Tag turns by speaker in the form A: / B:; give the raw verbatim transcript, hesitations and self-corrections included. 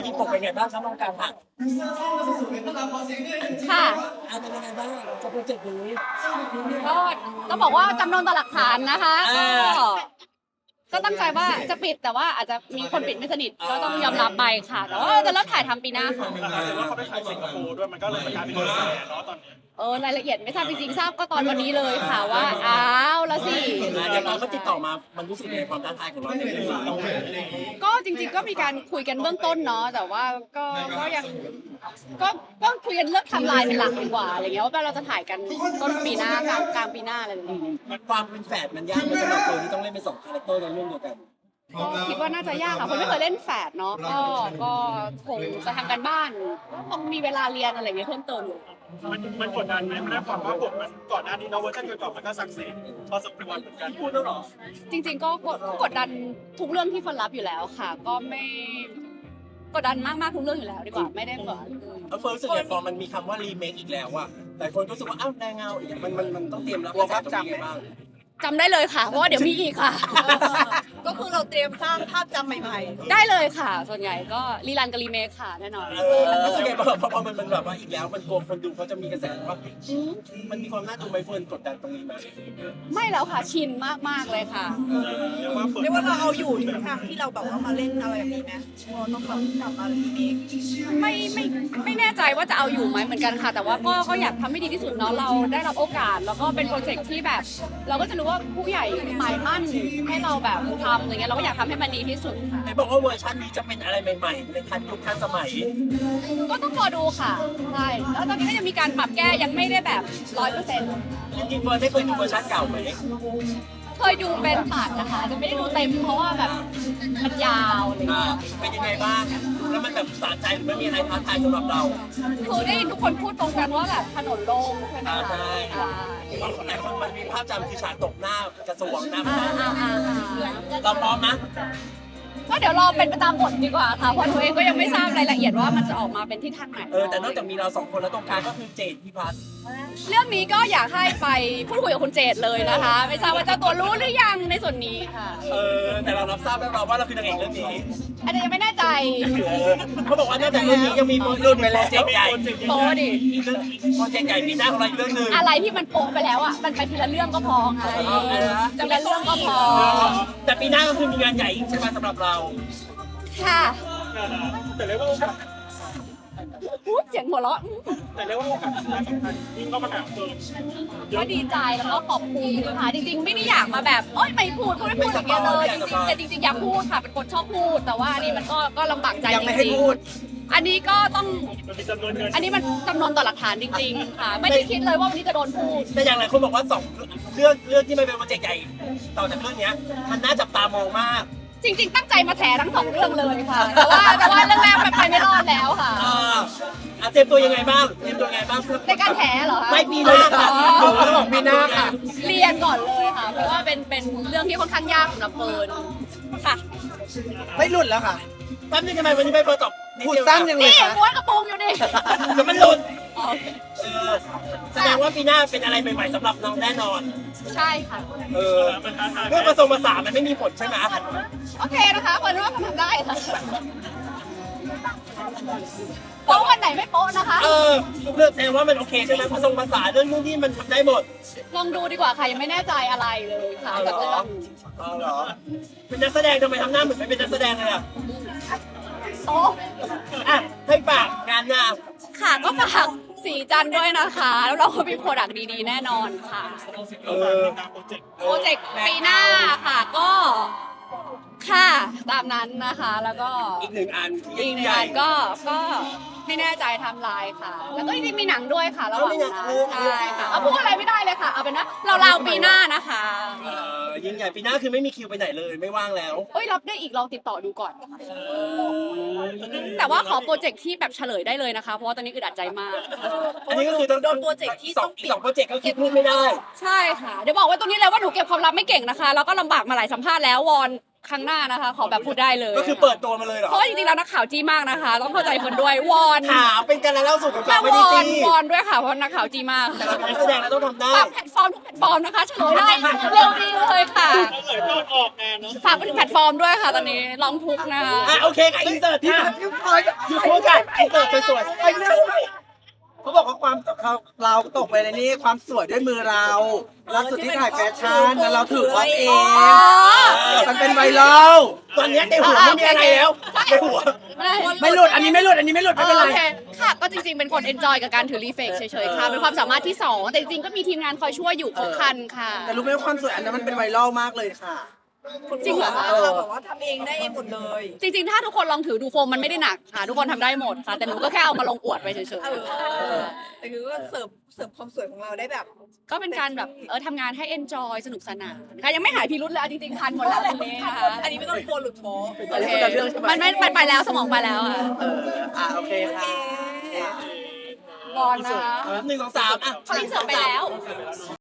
A: ที่ผมเป็นไงบ้างครับน้องการผัก
B: ค่ะ
A: อ่าเป็นยังไงบ้างกับโปรเจกต์นี้
B: ก็ต้องบอกว่าจำนวนต่อหลักฐานนะคะก็
A: อ่า
B: ก็ตั้งใจว่าจะปิดแต่ว่าอาจจะมีคนปิดไม่สนิทก็ต้องยอมรับไปค่ะ แต่ว่าจะเริ่มถ่ายทำปีหน้าค่ะ
C: แต่ว่าเขาไปขายสิงคโปร์ด้วยมันก็เลยกลายเป็นกระแสเนาะตอนนี้
B: เออรายละเอียดไม่ทราบจริงๆทราบก็ตอนวันนี้เลยค่ะว่าอ้าวแล้วสิ
A: อ่าเดี๋ยวตอนเขาติดต่อมามันรู้สึกในความท้าทายของเราในเรื่องนี้
B: ก็จริงๆก็มีการคุยกันเบื้องต้นเนาะแต่ว่าก็ก็ยังก็ก็คุยกันเรื่องไทำลายเป็นหลักดีกว่าอะไรเงี้ยว่าเราจะถ่ายกันต้นปีหน้ากลางกลางปีหน้าอะไรแบบนี้
A: ความเป็นแฝดมันยากไหมสำหรับคนที่ต้องเล่นเป็นสองคาแรคเตอร์ในเรื่องเดียวกัน
B: ก็คิดว่าน่าจะยากค่ะคนไม่เคยเล่นแฝดเนาะก็ก็คงจะทำกันบ้านคงมีเวลาเรียนอะไรเงี้ยเพิ่มเติมอยู่
C: มันมันกดดันไหมมันได้ความว่าบทมันก่อนหน้านี้เนาะเวอร์ชันก่อนๆมันก็สักเซสพอสมควรเหมือนกันพูดแล้วหรอ
B: จริงๆก็กดกดดันทุกเรื่องที่ฟันรับอยู่แล้วค่ะ ก็ไม่กดดันมากๆทุกเรื่องอยู่แล้วดีกว่าไม่ได้แบบ
A: เอาเฟิร์สรู้สึกไงพอมันมีคำว่ารีเมคอีกแล้วอะหลายคนก็รู้สึกว่าอ้าวแรงเงาอีกอะมันมันมันต้องเตรียมรับกระแสตรงนี้ไงบ้าง
B: จำได้เลยค่ะ เพราะว่าเดี๋ยวมีอีกค่ะ
D: ก็คือเราเตรียมสร้างภาพจำใหม่
B: ได้เลยค่ะ ส่วนใหญ่ก็รีรันกับรีเมคค่ะแน่นอน
A: เออรู้สึกไงบ้างพอพอมันมันแบบว่าอีกแล้วมันกลัวคนดูเขาจะมีกระแสว่าอืมมันมีความน่าดูไหมเฟิร์นกดดันตรงนี้ไหม
B: ไม่แล้วค่ะชินมากๆเลยค่ะ
C: เรียกว่า
D: ๆเรียกว่าเราเอาอยู่ทุกครั้งที่เราแบบว่ามาเล่นอะไรแบบนี้ไหมพอต้องแบบกลับมารีเมค
B: ไม่ไม่ไม่แน่ใจว่าจะเอาอยู่ไหมเหมือนกันค่ะ แต่ว่าก็ก็อยากทำให้ดีที่สุดเนาะเราได้รับโอกาส แล้วก็เป็นโปรเจกต์ที่แบบ เราก็จะรู้ว่าผู้ใหญ่หมายมั่นให้เราแบบทำอย่างเงี้ยเราก็อยากทำให้มันดีที่สุดค่ะ
A: ไหนบอกว่าเวอร์ชันนี้จะเป็นอะไรใหม่ๆในทันยุคทันสมัย
B: ก็ต้องรอดูค่ะใช่แล้วตอนนี้ก็ยังมีการปรับแก้ยังไม่ได้แบบร้อยเปอร์เซ็นต์
A: จริงๆเฟิร์นได้เคยดูเวอร์ชันเก่าไหม
B: เคยดูเป็นผ่านนะคะแต่ไม่ได้ดูเต็มเพราะว่าแบบมันยาวอะไร
A: อ่า
B: เงี้ย
A: เป็นยังไงบ้างแล้วมันแบบสะใจหรือมันมีอะไรท้าทายสำหรับเรา
B: คือได้ยินทุกคนพูดตรงกันว่าแบบถนนโล่งใช่ไหม
A: อ่า
B: คะ
A: ใช่
B: อ่า
A: บางคนหลายคนมันมีภาพจำคือฉากตกหน้ากระทรวงหน้า
B: อ่า
A: บ้าน
B: อ่าอ่าอ่า
A: เราพร้อมนะ
B: ก็เดี๋ยวรอเป็นไปตามบทดีกว่าค่ะเพราะหนูเองก็ยังไม่ทราบรายละเอียดว่ามันจะออกมาเป็นที่ทางไหน
A: เออแต่นอกจากมีเราสองคนแล้วตรงกลางก็คือเจดพิพัฒน์
B: เรื่องนี้ก็อยากให้ไปพูดคุยกับคุณเจตเลยนะคะ ไม่ทราบว่าเจ้าตัวรู้หรือยังในส่วนนี้ค่ะ
A: เออแต่เรารับทราบแล้วเราว่าเราคือนางเอกเรื่องนี้
B: อาจจะยังไม่แน่ใจ
A: เออเขาบอกว่านอกจากเรื่องนี้ยังมีโปรเจกต์ใหญ่
B: โปะดิ
A: อีกเรื่องโปรเจกต์ใหญ่ปีหน้าของเราอีกเรื่องหนึ่ง
B: อะไรที่มันโปะไปแล้วอ่ะมันไปทีละเรื่องก็พอไงทีละเรื่องก็พอ
A: แต่ปีหน้าก็คือมีงานใหญ่อีกใช่ไหมสำหรับเรา
B: ค่ะ
C: แต่เรียกว่าโอกาส
B: พูดเสียงหัวเราะ
C: แต่เรียกว่าโอกาสที่สำคัญยิ่งเข้ามาหาเฟิร์น
B: ก็ดีใจแล้วก็ขอบคุณค่ะจริงๆ ไม่ได้อยากมาแบบโอ๊ยไม่พูดพูดไม่พูดอย่างเงี้ยเลยจริงๆแต่จริงๆอยากพูดค่ะเป็นคนชอบพูด แต่ว่าอันนี้มันก็ก็ลำบากใจจริงๆอันนี้ก็ต้อง
C: มันมีจำนวนเงิน
B: อันนี้มันจำนวนต่อหลักฐานจริงๆค่ะ ไม่ได้คิดเลยว่าวันนี้จะโดนพูด
A: แต่อย่างไรคนบอกว่าสองเรื่องเรื่องที่มันเป็นโปรเจกต์ใหญ่ต่อจากเรื่องเนี้ยมันน่าจับตามองมาก
B: จริงๆ ตั้งใจมาแถทั้งสองเรื่องเลยค่ะ แต่ว่าแต่ว่าเรื่องแรกมันไปไม่รอดแล้วค่ะ
A: อ่าอ่ะเตรียมตัวยังไงบ้างเตรียมตัวยังไงบ้าง
B: ในการแถเหรอคะ
A: ไม่ปีหน้าค่ะ
B: อ๋อ
A: เขาบอกปีหน้าค่ะ
B: เรียนก่อนเลยค่ะ เพราะว่าเป็นเป็นเรื่องที่ค่อนข้างยากสำหรับเฟิร์นค่ะ
E: ไม่หลุดแล้วค่ะ
A: แป๊บนึงทำไมวันนี้ไม่เปิดตอบ
E: พูดสั้นยังเลย
B: นี่
E: คะ
B: ม้วนกระโปรงอยู่นี่
A: เดี๋ยวมันหลุด
B: อ๋อโอเค
A: เออแสดงว่าปีหน้าเป็นอะไรใหม่ๆสำหรับน้องแน่นอน
B: ใช่ค่ะ
A: เออ
C: มันท้าทาย
A: เรื่องผสมผสานมันไม่มีผลใช่ไหม
B: โอเคนะคะเฟิร์นว่ามันทำได้ค่ะโป๊ะวันไหนไม่โป๊ะนะคะ
A: เออเรื่องแสดงว่ามันโอเคใช่ไหมผสมผสานเรื่องนู้นนี่มันทำได้หมด
B: ลองดูดีกว่าค่ะยังไม่แน่ใจอะไรเลยค่ะ
A: เอาเหร
B: กับ
A: อ
B: เรื่อง
A: เอาเหรอเป็นนักแสดงทำไมทำหน้าเหมือนไม่เป็นนักแสดงเลยอ่ะ
B: โต๊ะ
A: อ่ะให้ฝากงานหน้า
B: ค่ะก็ฝากสีจันทร์ด้วยนะคะ แล้วเราก็มีโปรดักต์ดีๆ แน่นอนค่ะ
A: เออ
C: ตามโปรเจกต์
B: โปรเจกต์ปีหน้าค่ะก็ค่ะตามนั้นนะคะ แล้วก็
A: อีกหนึ่งอันที่
B: อีกหนึ่ง
A: ใหญ่
B: อันก็ก็ไม่แน่ใจไทำลายค่ะ แล้วก็จริงๆมีหนังด้วยค่ะระหว่างนั้นใช่ค่ะเอาพูดอะไรไม่ได้เลยค่ะ เอาเป็นว่าเราเราๆปีหน้านะคะ
A: เออยิ่งใหญ่ปีหน้าคือไม่มีคิวไปไหนเลยไม่ว่างแล้ว
B: เอ้ยรับได้อีกลองติดต่อดูก่อน แต่ว่าขอโปรเจกต์ที่แบบเฉลยได้เลยนะคะ เพราะว่าตอนนี้อึดอัดใจมาก
A: อันนี้ก็คือต้อง
D: โดนโปรเจกต์ที่
A: ส
D: ต้
A: อ
D: อง งปิด
A: สองโปรเจกต์ก็คือพูดไม่ได้
B: ใช่ค่ะ เดี๋ยวบอกไว้ตรงนี้เลยว่าหนูเก็บความลับไม่เก่งนะคะ แล้วก็ลำบากมาหลายสัมภาษณ์แล้ววอนครั้งหน้านะคะ ขอแบบพูดได้เลย
A: ก็คือเปิดตัวมาเลยเหรอ
B: เพราะว่าจริงๆแล้วนักข่าวจี้มากนะคะ ต้องเข้าใจคนด้วยวอน
A: ถามเป็นการเล่าสู่กันฟั
B: แค่
A: งไม่
B: ว
A: ได้
B: อน
A: จี้
B: วอนด้วยค่ะเพราะนักข่าวจี้มาก
A: แต่เราเป็นนักแสดงเราต้องทำได้
B: ฝากแพลตฟอร์มทุกแพลตฟอร์มนะคะเฉลยได้เร็วดีเลยค่ะ
C: เหลือโดนออกงานเนาะ
B: ฝากไปถึงแพลตฟอร์มด้วยค่ะตอนนี้ร้องทุกข์นะคะ
A: อ่ะโอเคค่ะอินเสิร์ตค่ะอยู่คู่กันอินเสิร์ตสวยๆไปเรื่อยๆเขาบอกว่าความ
E: เขาเราตกไปในนี้ความสวยด้วยมือเราล่าสุดที่ถ่ายแฟชั่นแล้วเราถือว่าเอง
B: อ๋อ
E: มันเป็นไวรัล
A: ตอนนี้ในหัวไม่มีอะไรแล้วในหัว
E: ไม่หลุดอันนี้ไม่หลุดอันนี้ไม่หลุดไม่เป็นไร
B: โอเคค่ะก็จริงๆ เป็นคนเอนจอยกับการถือรีเฟกเฉยๆ ค่ะ เป็นความสามารถที่สองแต่จริงๆ ก็มีทีมงานคอยช่วยอยู่ครบครันค่ะ
E: แต่รู้ไหมว่าความสวยอันนั้นมันเป็นไวรัลมากเลยค่ะ
B: จริงเหรอคะ
D: เราแบบว่าทำเองได้เองหมดเลย
B: จริงๆ ถ้าทุกคนลองถือดูโฟมมันไม่ได้หนักค่ะ ทุกคนทำได้หมดค่ะ แต่หนูก็แค่เอามาลงอวดไปเฉย
D: เออแต่คือก็เสิร์ฟเสิร์ฟความสวยของเราได้แบบ
B: ๆ ก็เป็นการแบบเออทำงานให้เอนจอยสนุกสนานค่ะยังไม่หายพิรุธเลยเอาจริงๆทันหมดแล้วตอนนี้นะคะ
D: อันนี้ไม่ต้องกลัวหลุดโป๊ะ
B: โอเคมันไม่มันไปแล้วสมองไปแล้วอ่ะ
E: เอออ่ะโอเคค่ะ
B: บอลนะคะ
A: หนึ่งสองสามอ่ะ
B: เขาอินเสิร์ตไปแล้ว